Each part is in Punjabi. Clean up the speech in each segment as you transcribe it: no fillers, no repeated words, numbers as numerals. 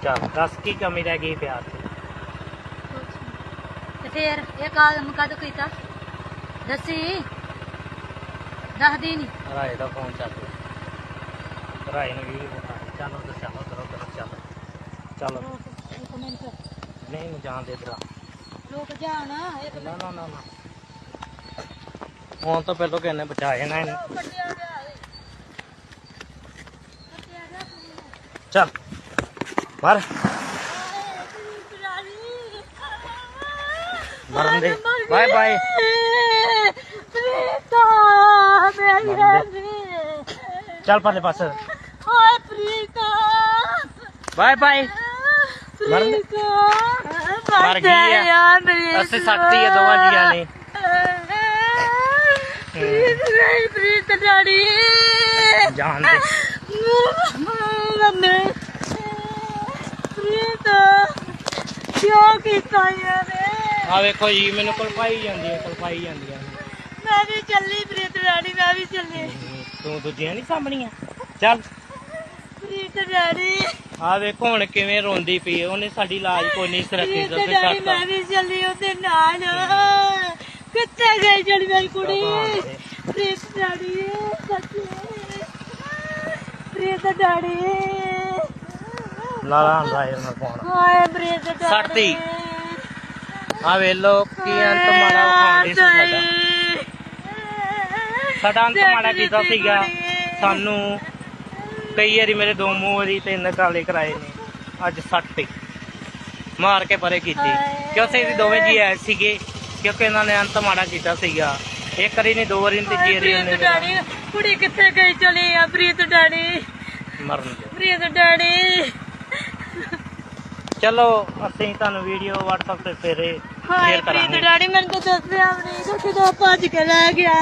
ਚੱਲ ਦੱਸ ਕੀ ਕਮੀ ਰਹਿ ਗਈ ਪਿਆਰ ਦੀ? ਤੇ ਫੇਰ ਇਹ ਕਾਲਮ ਕਦ ਕੀਤਾ ਦੱਸੀ ਦੱਸਦੀ ਨੀ। ਰਾਏ ਦਾ ਫੋਨ ਚੱਲ ਰਿਹਾ, ਰਾਏ ਨੂੰ ਵੀਡੀਓ ਵਿਖਾ। ਚੱਲ ਉਧਰ ਚੱਲ, ਉਧਰ ਚੱਲ ਚੱਲ। ਇੱਕ ਮਿੰਟ ਨਹੀਂ ਨੂੰ ਜਾਣ ਦੇ ਇਧਰ। ਰੁਕ ਜਾ ਨਾ ਇੱਕ ਨਾ ਨਾ ਨਾ ਨਾ, ਹੁਣ ਤਾਂ ਪਹਿਲਾਂ ਕਿਹਨੇ ਬਚਾ ਜਾਣਾ ਇਹਨੂੰ। ਕੱਟਿਆ ਗਿਆ ਏ ਕੱਟਿਆ ਗਿਆ ਚੱਲ ਮਰ ਮਰਨ ਦੇ। ਬਾਏ ਬਾਏ ਪ੍ਰੀਤਾ ਮੇਰੀ ਰਾਣੀ ਚੱਲ ਪਰਲੇ ਪਾਸੇ। ਹਾਏ ਪ੍ਰੀਤਾ ਬਾਏ ਬਾਏ। ਮਰਨ ਦੇ। ਮਰ ਗਈ ਆ। ਅਸੀਂ ਸੱਟਤੀ ਆ ਦੋਵਾਂ ਜੀਆਂ ਨੇ। ਪ੍ਰੀਤ ਰਾਣੀ ਜਾਣ ਦੇ। ਮੰਮੀ ਪ੍ਰੀਤ ਕਿਉਂ ਕੀਤਾ ਯਾਰ? ਆ ਵੇਖੋ ਜੀ, ਮੈਨੂੰ ਕਲਪਾਈ ਜਾਂਦੀ ਹੈ। ਮੈਂ ਵੀ ਚੱਲੀ ਪ੍ਰੀਤ ਰਾਣੀ, ਮੈਂ ਵੀ ਚੱਲੀ। ਤੂੰ ਦੂਜੀਆਂ ਨਹੀਂ ਸਾਂਭਣੀਆਂ? ਚੱਲ ਪ੍ਰੀਤ ਰਾਣੀ ਆ ਵੇਖੋ ਹੁਣ ਕਿਵੇਂ ਰੋਂਦੀ ਪਈ। ਉਹਨੇ ਸਾਡੀ ਲਾਜ ਕੋਈ ਨਹੀਂ ਰੱਖੀ। ਪ੍ਰੀਤ ਰਾਣੀ ਮੈਂ ਵੀ ਚੱਲੀ ਉਹਦੇ ਨਾਲ। ਕਿੱਥੇ ਗਈ ਜਿਹੜੀ ਮੇਰੀ ਕੁੜੀ? ਪ੍ਰੀਤ ਰਾਣੀ ਸੱਚੀ ਪ੍ਰੀਤ ਰਾਣੀ ਲਾਲਾ ਰਾਏ ਨਾਲ ਫੋਨ। ਹਾਏ ਪ੍ਰੀਤ ਰਾਣੀ ਸੱਟਤੀ। ਆ ਵੇਲੋ ਕੀ ਅੰਤ ਮਾੜਾ ਵਿਖਾਉਂਦੀ ਸੀ ਸਾਡਾ। ਸਾਡਾ ਅੰਤ ਮਾੜਾ ਕੀਤਾ ਸੀਗਾ। ਸਾਨੂੰ ਕਈ ਵਾਰੀ ਮੇਰੇ ਦੋ ਮੂੰਹ ਵਾਰੀ 3 ਕਾਲੇ ਕਰਾਏ ਨੇ। ਅੱਜ ਸੱਟ ਮਾਰ ਕੇ ਪਰੇ ਕੀਤੀ ਕਿਉਂਕਿ ਅਸੀਂ ਦੋਵੇਂ ਜੀ ਆਏ ਸੀਗੇ। ਕਿਉਂਕਿ ਇਹਨਾਂ ਨੇ ਅੰਤ ਮਾੜਾ ਕੀਤਾ ਸੀਗਾ। ਇੱਕ ਵਾਰੀ ਨਹੀਂ, 2 ਵਾਰੀ ਨਹੀਂ, 3 ਵਾਰੀ ਉਹਨੇ। ਕੁੜੀ ਕਿੱਥੇ ਗਈ ਚਲੀ ਆ ਪ੍ਰੀਤ ਡੈਡੀ? ਮਰਨ ਦੇ। ਪ੍ਰੀਤ ਡੈਡੀ ਚਲੋ ਅਸੀਂ ਤੁਹਾਨੂੰ ਵੀਡੀਓ WhatsApp ਤੇ ਫੇਰੇ ਹਾਏ ਸ਼ੇਅਰ ਪ੍ਰੀਤ ਕਰਾਂਗੇ। ਡੈਡੀ ਮੈਨੂੰ ਤਾਂ ਦੱਸਿਆ ਵੀ ਨਹੀਂ ਕਿਦੋਂ ਭੱਜ ਕੇ ਲੈ ਗਿਆ।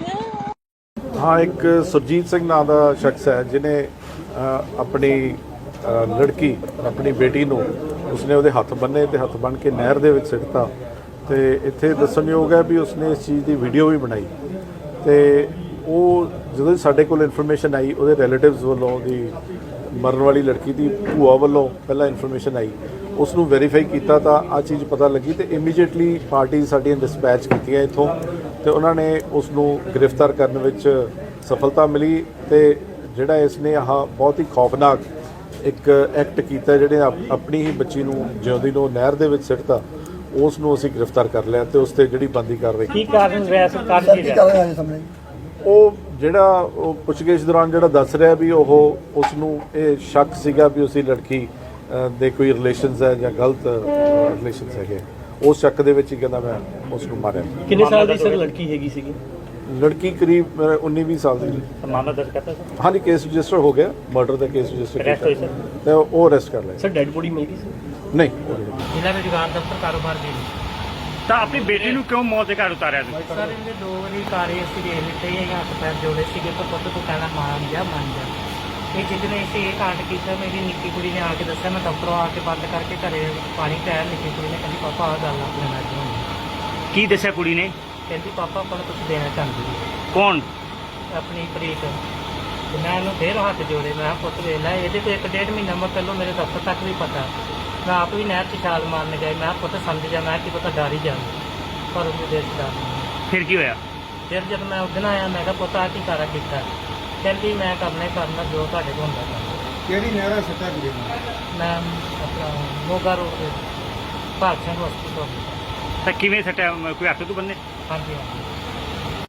हाँ, एक सुरजीत सिंह नाम का शख्स है जिन्हें अपनी लड़की अपनी बेटी ਨੂੰ ਉਸਨੇ ਉਹਦੇ ਹੱਥ ਬੰਨੇ ਤੇ ਹੱਥ ਬੰਨ ਕੇ ਨਹਿਰ ਦੇ ਵਿੱਚ ਸਿੱਟਤਾ। ਤੇ ਇੱਥੇ ਦੱਸਣਯੋਗ ਹੈ ਵੀ ਉਸਨੇ ਇਸ ਚੀਜ਼ ਦੀ ਵੀਡੀਓ ਵੀ ਬਣਾਈ। ਤੇ ਉਹ ਜਦੋਂ ਸਾਡੇ ਕੋਲ ਇਨਫੋਰਮੇਸ਼ਨ ਆਈ, ਉਹਦੇ ਰਿਲੇਟਿਵਸ ਵੱਲੋਂ ਉਹਦੀ ਮਰਨ ਵਾਲੀ ਲੜਕੀ ਦੀ ਭੂਆ ਵੱਲੋਂ ਪਹਿਲਾਂ ਇਨਫੋਰਮੇਸ਼ਨ ਆਈ, ਉਸ ਨੂੰ ਵੈਰੀਫਾਈ ਕੀਤਾ ਤਾਂ ਆ ਚੀਜ਼ ਪਤਾ ਲੱਗੀ। ਤੇ ਇਮੀਡੀਏਟਲੀ ਪਾਰਟੀ ਸਾਡੀਆਂ ਡਿਸਪੈਚ ਕੀਤੀਆਂ ਇੱਥੋਂ ਤੇ ਉਹਨਾਂ ਨੇ ਉਸ ਨੂੰ ਗ੍ਰਿਫਤਾਰ ਕਰਨ ਵਿੱਚ ਸਫਲਤਾ ਮਿਲੀ। ਤੇ ਜਿਹੜਾ ਇਸ ਨੇ ਆਹ ਬਹੁਤ ਹੀ ਖੌਫਨਾਕ ਇੱਕ ਐਕਟ ਕੀਤਾ, ਜਿਹੜੇ ਆਪਣੀ ਹੀ ਬੱਚੀ ਨੂੰ ਜਿਉਂਦੀ ਨੂੰ ਨਹਿਰ ਦੇ ਵਿੱਚ ਸਿੱਟਤਾ, ਉਸ ਨੂੰ ਅਸੀਂ ਗ੍ਰਿਫਤਾਰ ਕਰ ਲਿਆ ਤੇ ਉਸ ਤੇ ਜਿਹੜੀ ਬੰਦੀ ਕਾਰਵਾਈ ਕੀ ਕਾਰਨ ਵੈਸ ਕਰ ਕੀ ਰਿਹਾ? ਉਹ ਜਿਹੜਾ ਉਹ ਪੁੱਛਗਿੱਛ ਦੌਰਾਨ ਜਿਹੜਾ ਦੱਸ ਰਿਹਾ ਵੀ ਉਹ ਉਸ ਨੂੰ ਇਹ ਸ਼ੱਕ ਸੀਗਾ ਵੀ ਉਸਦੀ ਲੜਕੀ ਦੇ ਕੋਈ ਰਿਲੇਸ਼ਨਸ ਹੈ ਜਾਂ ਗਲਤ ਰਿਲੇਸ਼ਨਸ ਹੈਗੇ। ਉਸ ਸ਼ੱਕ ਦੇ ਵਿੱਚ ਹੀ ਕਹਿੰਦਾ ਮੈਂ ਉਸ ਨੂੰ ਮਾਰਿਆ। ਕਿੰਨੇ ਸਾਲ ਦੀ ਸਰ ਲੜਕੀ ਹੈਗੀ ਸੀਗੀ? ਲੜਕੀ ਕਰੀਬ 19-20 ਸਾਲ ਦੀ। ਮਾਮਲਾ ਦਰਜ ਕਰਤਾ ਸਰ? ਹਾਂਜੀ, ਕੇਸ ਰਜਿਸਟਰ ਹੋ ਗਿਆ, ਮਰਡਰ ਦਾ ਕੇਸ ਰਜਿਸਟਰ ਅਰੈਸਟ ਹੋਈ ਸਰ? ਤੇ ਉਹ ਅਰੈਸਟ ਕਰ ਲਿਆ। ਸਰ ਡੈਡ ਬੋਡੀ ਮਿਲ ਗਈ ਸਰ? ਨਹੀਂ, ਜ਼ਿਲ੍ਹਾ ਰੁਜ਼ਗਾਰ ਦਫ਼ਤਰ ਕਾਰੋਬਾਰ ਦੀ। ਤਾਂ ਆਪਣੀ ਬੇਟੀ ਨੂੰ ਕਿਉਂ ਮੌਤ ਦੇ ਘਰ ਉਤਾਰਿਆ ਤੁਸੀਂ? ਸਰ ਇਹਦੇ 2 ਵਾਰੀ ਕਾਰੇ ਅਸੀਂ ਦੇਖ ਲਿੱਤੇ ਹੀ ਹੱਥ ਪੈਰ ਜੋੜੇ ਸੀਗੇ ਤਾਂ ਪੁੱਤ ਤੂੰ ਕਹਿਣਾ ਮੰਨ ਜਾ। ਇਹ ਜਿੱਦਨੇ ਅਸੀਂ ਇਹ ਕਾਂਡ ਕੀਤਾ, ਮੇਰੀ ਨਿੱਕੀ ਕੁੜੀ ਨੇ ਆ ਕੇ ਦੱਸਿਆ। ਮੈਂ ਦਫ਼ਤਰੋਂ ਆ ਕੇ ਬੰਦ ਕਰਕੇ ਘਰੇ ਪਾਣੀ ਪਿਆ। ਨਿੱਕੀ ਕੁੜੀ ਨੇ ਕਹਿੰਦੀ ਪਾਪਾ ਆਹ ਗੱਲ ਆਪਣੇ ਨਾਲ ਹੋਣੀ। ਕੀ ਦੱਸਿਆ ਕੁੜੀ ਨੇ? ਕਹਿੰਦੀ ਪਾਪਾ ਆਪਾਂ ਨੂੰ ਕੁਝ ਦੇਣਾ ਚਾਹੁੰਦੀ ਹੈ। ਕੌਣ? ਆਪਣੀ ਪ੍ਰੀਤ। ਤੇ ਮੈਂ ਇਹਨੂੰ ਫੇਰ ਹੱਥ ਜੋੜੇ। ਮੈਂ ਕਿਹਾ ਪੁੱਤ ਵੇਖ ਲੈ, ਇਹਦੇ ਤੋਂ 1-1.5 ਮਹੀਨਾ ਮੈਂ ਪਹਿਲਾਂ ਮੇਰੇ ਦਫ਼ਤਰ ਤੱਕ ਵੀ ਪਤਾ। ਮੈਂ ਆਪ ਵੀ ਨਹਿਰ 'ਚ ਛਾਲ ਮਾਰਨ ਗਏ। ਮੈਂ ਕਿਹਾ ਪੁੱਤ ਸਮਝ ਜਾ, ਮੈਂ ਕਿ ਪਤਾ ਡਰ ਹੀ ਜਾਂਦਾ, ਪਰ ਉਹਦੇ ਦੇਸ਼ ਡਰ ਨਹੀਂ। ਫਿਰ ਕੀ ਹੋਇਆ? ਫਿਰ ਜਦ ਮੈਂ ਉਦਣ ਆਇਆ, ਮੈਂ ਕਿਹਾ ਪੁੱਤ ਆਹ ਕੀ ਕਾਰਾ ਕੀਤਾ? ਕਹਿੰਦੀ ਮੈਂ ਕਰਨਾ ਜੋ ਤੁਹਾਡੇ ਕੋਲ ਹੁੰਦਾ ਕਰਨਾ। ਕਿਹੜੀ ਨਹਿਰਾ ਸੱਟਾ ਵੀਰੇ? ਮੈਂ ਆਪਣਾ ਮੋਗਾ ਰੋਡ ਤੇ ਭਾਗ ਸਿੰਘ ਹਸਪਤਾਲ। ਤਾਂ ਕਿਵੇਂ ਸੱਟਿਆ? ਕੋਈ ਹੱਥ ਤੋਂ ਬੰਨੇ? ਹਾਂਜੀ ਹਾਂਜੀ।